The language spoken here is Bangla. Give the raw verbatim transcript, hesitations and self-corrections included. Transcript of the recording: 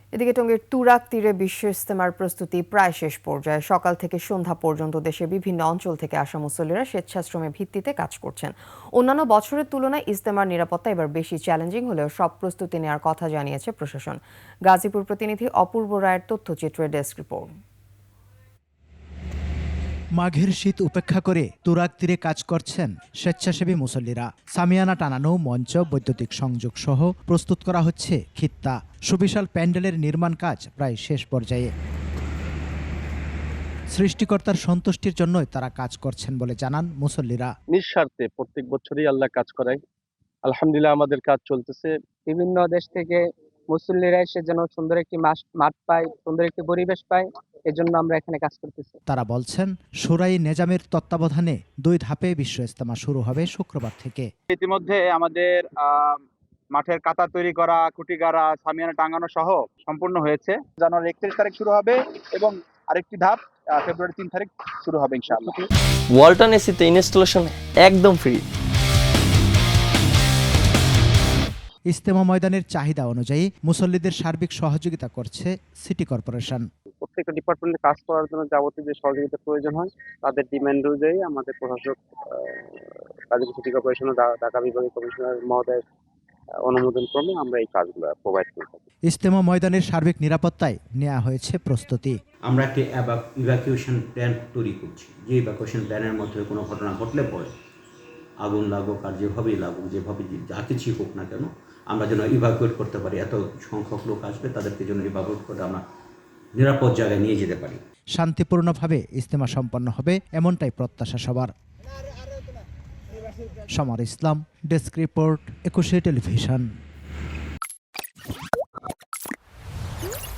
এদিকে টঙ্গীর তুরাগ তীরে বিশ্ব ইজতেমার প্রস্তুতি প্রায় শেষ পর্যায়ে। সকাল থেকে সন্ধ্যা পর্যন্ত দেশের বিভিন্ন অঞ্চল থেকে আসা মুসল্লিরা স্বেচ্ছাশ্রমের ভিত্তিতে কাজ করছেন। অন্যান্য বছরের তুলনায় ইজতেমার নিরাপত্তা এবার বেশি চ্যালেঞ্জিং হলেও সব প্রস্তুতি নেওয়ার কথা জানিয়েছে প্রশাসন। গাজীপুর প্রতিনিধি অপূর্ব রায়ের তথ্যচিত্রে ডেস্ক রিপোর্ট। মাঘের শীত উপেক্ষা করে তুরাগ তীরে কাজ করছেন স্বেচ্ছাসেবী মুসল্লিরা। সামিয়ানা টানানো, মঞ্চ, বৈদ্যুতিক সংযোগ সহ প্রস্তুত করা হচ্ছে খিত্তা। সুবিশাল প্যান্ডেলের নির্মাণ কাজ প্রায় শেষ পর্যায়ে। সৃষ্টিকর্তার সন্তুষ্টির জন্যই তারা কাজ করছেন বলে জানান মুসল্লিরা। নিঃস্বার্থে প্রত্যেক বছরই আল্লাহ কাজ করায়। আলহামদুলিল্লাহ আমাদের কাজ চলতেছে। বিভিন্ন দেশ থেকে মুসল্লিরা এসে যেন সুন্দর একটি মাঠ পায়, সুন্দর একটি পরিবেশ পায়, এজন্য আমরা এখানে কাজ করতেছি। তারা বলছেন, সুরাই নেজামের তত্ত্বাবধানে দুই ধাপে বিশ্ব ইজতেমা শুরু হবে শুক্রবার থেকে। ইতিমধ্যে আমাদের মাঠের কাতা তৈরি করা, খুঁটি গাড়া, সামিয়ানা টাঙানো সহ সম্পূর্ণ হয়েছে। জানুয়ারি একত্রিশ তারিখ শুরু হবে এবং আরেকটি ধাপ ফেব্রুয়ারি তিন তারিখ শুরু হবে ইনশাআল্লাহ। ওয়ালটন এসিতে ইনস্টলেশন একদম ফ্রি। ইজতেমা ময়দানের চাহিদা অনুযায়ী মুসল্লিদের সার্বিক সহযোগিতা করছে সিটি কর্পোরেশন। প্রত্যেকটা ডিপার্টমেন্টে কাজ করার জন্য যাবতীয় যে সহযোগিতা প্রয়োজন হয় তাদের ডিমান্ড অনুযায়ী আমাদের প্রশাসক গাজীপুর সিটি কর্পোরেশন ও ঢাকা বিভাগীয় কমিশনার মহোদয়ের অনুমোদন ক্রমে আমরা এই কাজগুলো প্রোভাইড করে থাকি। ইজতেমা ময়দানের সার্বিক নিরাপত্তায় নেওয়া হয়েছে প্রস্তুতি। আমরা একটি ইভাকুয়েশন প্ল্যান তৈরি করছি, যে ইভাকুয়েশন প্ল্যানের মধ্যে কোনো ঘটনা ঘটলে পরে আগুন লাগুক আর যেভাবেই লাগুক, যেভাবে যা কিছুই হোক না কেন, আমরা যেন ইভাকুয়েট করতে পারি। এত সংখ্যক লোক আসবে, তাদেরকে যেন ইভাকুয়েট করে আমরা নিরাপদ জায়গায় নিয়ে যেতে পারি। শান্তিপূর্ণভাবে ইজতেমা সম্পন্ন হবে এমনটাই প্রত্যাশা সবার। Samar Islam, desk report, Ekushey television.